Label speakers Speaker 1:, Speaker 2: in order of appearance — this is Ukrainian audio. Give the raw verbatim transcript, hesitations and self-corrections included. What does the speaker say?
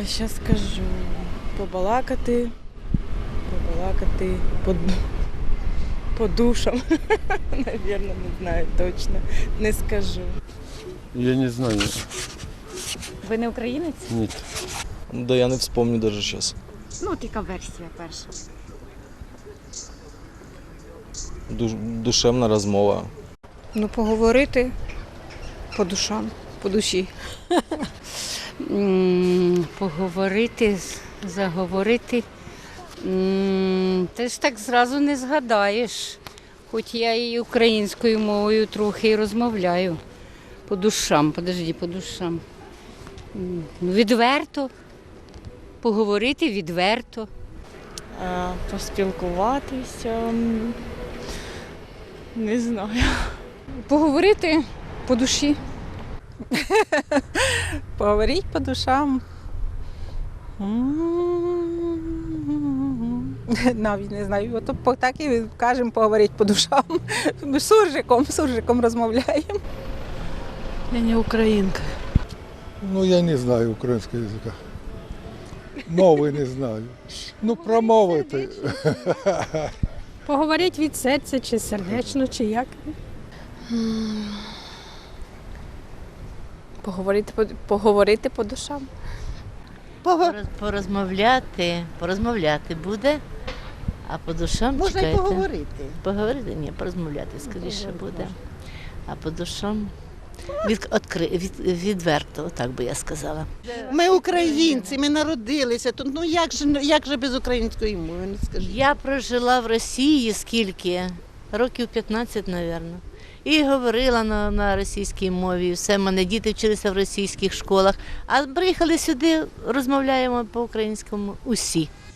Speaker 1: Зараз скажу. Побалакати, побалакати по, по душам. Навірно, не знаю точно. Не скажу.
Speaker 2: Я не знаю.
Speaker 3: Ви не українець?
Speaker 2: Нет.
Speaker 4: Да я не вспомню даже сейчас.
Speaker 3: Ну, от яка версія перша.
Speaker 4: Ду- душевна розмова.
Speaker 5: Ну, поговорити по душам, по душі.
Speaker 6: М, Поговорити, з- заговорити. М, Ти ж так зразу не згадаєш. Хоч я і українською мовою трохи і розмовляю. По душам, подожди, по душам. М, ну, Відверто. Поговорити відверто.
Speaker 1: А, поспілкуватися. м, Не знаю.
Speaker 5: Поговорити по душі.
Speaker 7: Поговорить по душам. Навіть не знаю. От по- так і кажемо поговорити по душам. Ми з суржиком, з суржиком розмовляємо.
Speaker 1: Я не українка.
Speaker 8: Ну, я не знаю українського язика. Мови не знаю. Ну, промовити.
Speaker 9: Поговорити від серця, чи сердечно, чи як.
Speaker 5: Поговорити по, поговорити по душам.
Speaker 10: Пороз- Порозмовляти, порозмовляти буде, а по душам
Speaker 11: Можна й
Speaker 10: чекайте.
Speaker 11: поговорити.
Speaker 10: Поговорити? Ні, порозмовляти скоріше буде. А по душам від, откри, від, відверто, так би я сказала.
Speaker 11: Ми українці, ми народилися тут. Ну як же, як же без української мови, не скажи.
Speaker 10: Я прожила в Росії скільки? Років п'ятнадцять, мабуть. І говорила на, на російській мові. Все, мене діти вчилися в російських школах. А приїхали сюди, розмовляємо по-українському усі.